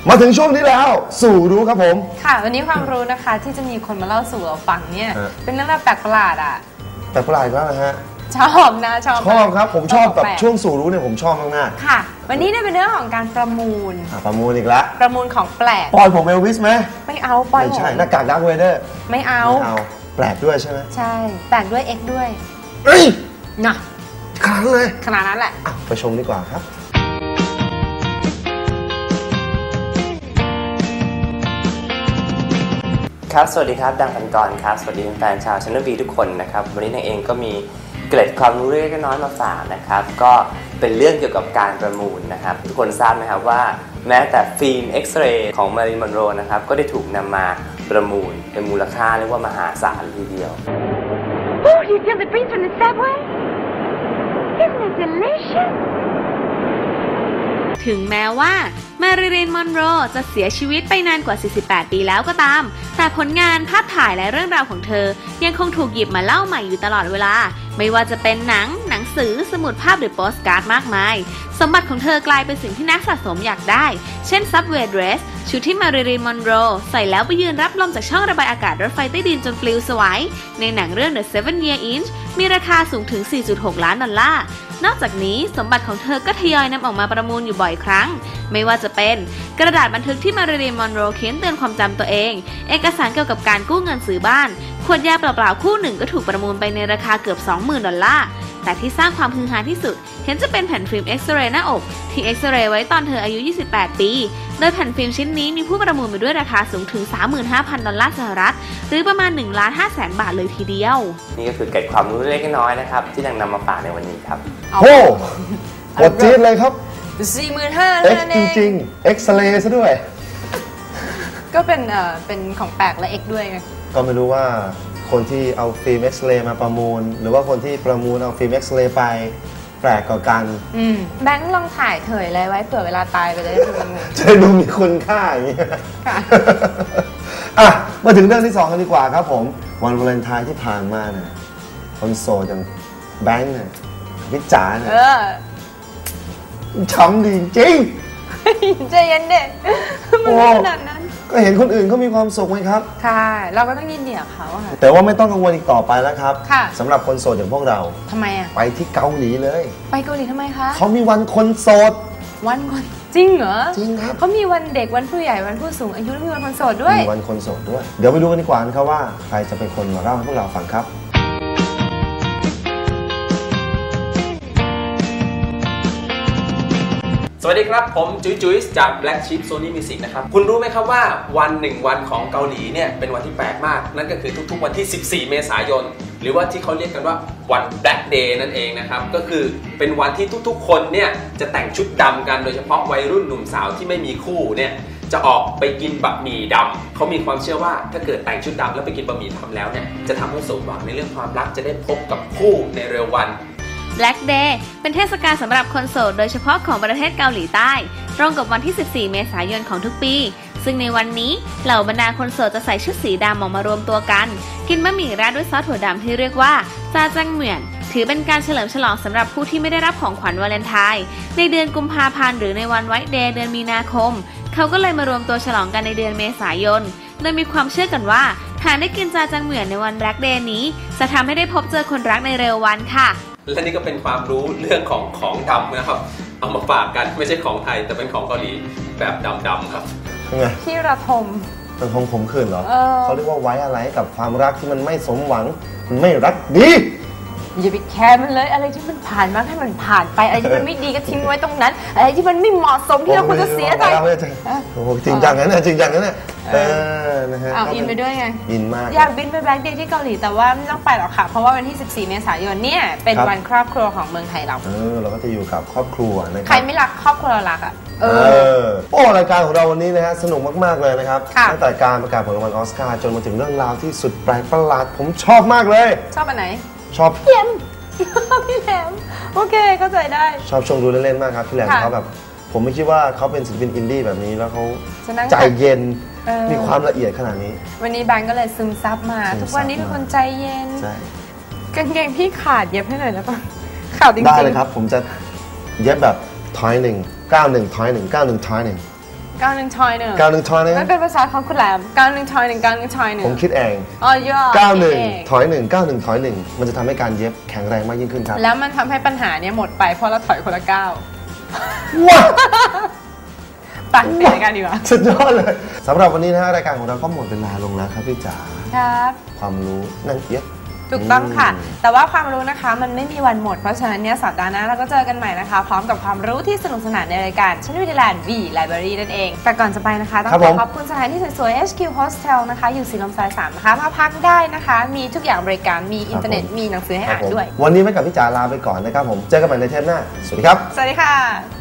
มาถึงช่วงนี้แล้วสู่รู้ครับผมค่ะวันนี้ความรู้นะคะที่จะมีคนมาเล่าสู่เราฟังเนี่ยเป็นเรื่องราวแปลกประหลาดอ่ะแปลกประหลาดก็นะฮะชอบนะชอบครับผมชอบแบบช่วงสู่รู้เนี่ยผมชอบมากๆค่ะวันนี้เนี่ยเป็นเรื่องของการประมูลประมูลอีกแล้วประมูลของแปลกปอยผมเอลวิสไหมไม่เอาปอยไม่ใช่หน้ากากดาร์คเวเดอร์ไม่เอาแปลกด้วยใช่ไหมใช่แปลกด้วย X ด้วยนะขนาดนั้นเลยขนาดนั้นแหละไปชมดีกว่าครับครับสวัสดีครับดังพันกรครับสวัสดีแฟนชาวChannel Vทุกคนนะครับวันนี้นายเองก็มีเกร็ดความรู้เล็กน้อยมาฝากนะครับก็เป็นเรื่องเกี่ยวกับการประมูลนะครับทุกคนทราบไหมครับว่าแม้แต่ฟิล์มเอ็กซเรย์ของมาริล มอนโรนะครับก็ได้ถูกนำมาประมูลเป็นมูลค่าเรียกว่ามหาศาลทีเดียว Oh, you feel the breeze from the subway? Isn't it delicious? ถึงแม้ว่ามาริลีน มอนโรจะเสียชีวิตไปนานกว่า 48 ปีแล้วก็ตามแต่ผลงานภาพถ่ายและเรื่องราวของเธอยังคงถูกหยิบมาเล่าใหม่อยู่ตลอดเวลาไม่ว่าจะเป็นหนังสือสมุดภาพหรือโปสการ์ดมากมายสมบัติของเธอกลายเป็นสิ่งที่นักสะสมอยากได้เช่น Subway Dress ชุดที่มาริลีน มอนโรใส่แล้วไปยืนรับลมจากช่องระบายอากาศรถไฟใต้ดินจนปลิวสวายในหนังเรื่อง The 7-Year Itch มีราคาสูงถึง 4.6 ล้านดอลลาร์นอกจากนี้สมบัติของเธอก็ทยอยนำออกมาประมูลอยู่บ่อยครั้งไม่ว่าจะเป็นกระดาษบันทึกที่มาริลีน มอนโรเขียนเตือนความจำตัวเองเอกสารเกี่ยวกับการกู้เงินซื้อบ้านขวดยาเปล่าๆคู่หนึ่งก็ถูกประมูลไปในราคาเกือบ 20,000 ดอลลาร์แต่ที่สร้างความฮือฮาที่สุดเห็นจะเป็นแผ่นฟิล์มเอ็กซเรย์หน้าอกที่เอ็กซเรย์ไว้ตอนเธออายุ 28 ปีโดยแผ่นฟิล์มชิ้นนี้มีผู้ประมูลไปด้วยราคาสูงถึง 35,000 ดอลลาร์สหรัฐหรือประมาณ 1,500,000 บาทเลยทีเดียวนี่ก็คือเกร็ดความรู้เล็กน้อยนะครับที่นำมาฝากในวันนี้ครับโอ้กดจี๊ดเลยครับ 45,000 X จริงๆ เอ็กซเรย์ซะด้วยก็เป็นของแปลกและ X ด้วยไงก็ไม่รู้ว่าคนที่เอาฟิล์มเอ็กซเรย์มาประมูลหรือว่าคนที่ประมูลเอาฟิล์มเอ็กซเรย์ไปแปลกกว่ากันแบงค์ลองถ่ายเถยอะไรไว้เผื่อเวลาตายไปจะได้ประมูลจะดูมีคุณค่าอย่างนี้มาถึงเรื่องที่2กันดีกว่าครับผมวันวาเลนไทน์ที่ผ่านมาเนี่ยคนโสดอย่างแบงค์เนี่ยพิจารณ์ช้ำดีจริงใจเย็นเด็กมันไม่ขนาดนั้นก็เห็นคนอื่นเขามีความสุขไหมครับค่ะเราก็ต้องยินดีกับเขาค่ะแต่ว่าไม่ต้องกังวลอีกต่อไปแล้วครับค่ะสำหรับคนโสดอย่างพวกเราทำไมไปที่เกาหลีเลยไปเกาหลีทำไมคะเขามีวันคนโสดวันคนจริงเหรอจริงครับเขามีวันเด็กวันผู้ใหญ่วันผู้สูงอายุและมีวันคนโสดด้วยมีวันคนโสดด้วยเดี๋ยวไปดูกันดีกว่าครับว่าใครจะเป็นคนมาเล่าให้พวกเราฟังครับสวัสดีครับผมจุ๊ยจาก Black Sheep Sony Music นะครับคุณรู้ไหมครับว่าวันวันของเกาหลีเนี่ยเป็นวันที่แปลกมากนั่นก็คือทุกๆวันที่ 14 เมษายนหรือว่าที่เขาเรียกกันว่าวัน Black Day นั่นเองนะครับก็คือเป็นวันที่ทุกๆคนเนี่ยจะแต่งชุดดำกันโดยเฉพาะวัยรุ่นหนุ่มสาวที่ไม่มีคู่เนี่ยจะออกไปกินบะหมี่ดำเขามีความเชื่อว่าถ้าเกิดแต่งชุดดำแล้วไปกินบะหมี่ดำแล้วเนี่ยจะทำให้สมหวังในเรื่องความรักจะได้พบกับคู่ในเร็ววัน Black Day เป็นเทศกาลสำหรับคนโสดโดยเฉพาะของประเทศเกาหลีใต้ตรงกับวันที่ 14 เมษายนของทุกปีซึ่งในวันนี้เหล่าบรรดาคนโสดจะใส่ชุดสีดำออกมารวมตัวกันกินบะหมี่ราดด้วยซอสถั่วดำที่เรียกว่าจาจังเหมียนถือเป็นการเฉลิมฉลองสำหรับผู้ที่ไม่ได้รับของขวัญวาเลนไทน์ในเดือนกุมภาพันธ์หรือในวันไวท์เดย์เดือนมีนาคมเขาก็เลยมารวมตัวฉลองกันในเดือนเมษายนโดยมีความเชื่อกันว่าหากได้กินจาจังเหมียนในวัน Black Day นี้จะทำให้ได้พบเจอคนรักในเร็ววันค่ะและนี่ก็เป็นความรู้เรื่องของดำนะครับเอามาฝากกันไม่ใช่ของไทยแต่เป็นของเกาหลีแบบดำครับที่ระทมระทมขมขื่นเหรอเขาเรียกว่าไว้อะไรกับความรักที่มันไม่สมหวังมันไม่รักดีอย่าไปแคร์มันเลยอะไรที่มันผ่านมาให้มันผ่านไปอะไรที่มันไม่ดีก็ทิ้งไว้ตรงนั้นอะไรที่มันไม่เหมาะสมที่เราควรจะเสียใจโอ้จริงจังนะเนี่ยจริงจังนะเนี่ยนะฮะอินไปด้วยไงอินมากอยากบินไปแบล็คเดย์ที่เกาหลีแต่ว่าไม่ต้องไปหรอกค่ะเพราะว่าวันที่ 14 เมษายนเนี่ยเป็นวันครอบครัวของเมืองไทยเราก็จะอยู่กับครอบครัวนะครับใครไม่รักครอบครัวเรารักอ่ะโอ้รายการของเราวันนี้นะฮะสนุกมากๆเลยนะครับตั้งแต่การประกาศผลรางวัลออสการ์จนมาถึงเรื่องราวที่สุดแปลกประหลาดผมชอบมากเลยชอบอันไหนชอบพี่แหลมพี่แหลมโอเคเข้าใจได้ชอบชมดูเล่นๆมากครับพี่แหลมเขาแบบผมไม่คิดว่าเขาเป็นศิลปินอินดี้แบบนี้แล้วเขาใจเย็นมีความละเอียดขนาดนี้วันนี้แบงก์ก็เลยซึมซับมาทุกวันนี้เป็นคนใจเย็นกางเกงพี่ขาดเย็บให้หน่อยแล้วป่ะขาดจริงๆได้เลยครับผมจะเย็บแบบถอย1 91ถอย1 91ถอย1 91ทอย1 91ทอย1 ไม่เป็นภาษาของคุณแหลม91ทอย1 91ทอย1 ผมคิดเองอ๋อย่อ 91ถอย1 91ถอย1มันจะทำให้การเย็บแข็งแรงมากยิ่งขึ้นครับแล้วมันทำให้ปัญหาเนี้ยหมดไปเพราะเราถอยคนละก้าวว้าตัดเปลี่ยนรายการดีกว่าสุดยอดเลยสำหรับวันนี้นะฮะรายการของเราก็หมดเวลาลงแล้วครับพี่จ๋าครับความรู้นั่งเย็บถูกต้องค่ะ แต่ว่าความรู้นะคะมันไม่มีวันหมด เพราะฉะนั้นเนี่ยสัปดาห์หน้าเราก็เจอกันใหม่นะคะ พร้อมกับความรู้ที่สนุกสนานในรายการชั้นวิทยาลัย V Library นั่นเอง แต่ก่อนจะไปนะคะต้องขอขอบคุณสถานที่สวยๆ HQ Hostel นะคะอยู่ศรีลมซอย 3 นะคะมาพักได้นะคะ มีทุกอย่างบริการมีอินเทอร์เน็ตมีหนังสือให้อ่านด้วยวันนี้ไม่กับพี่จ๋าลาไปก่อนนะครับผมเจอกันใหม่ในเทปหน้าสวัสดีครับสวัสดีค่ะ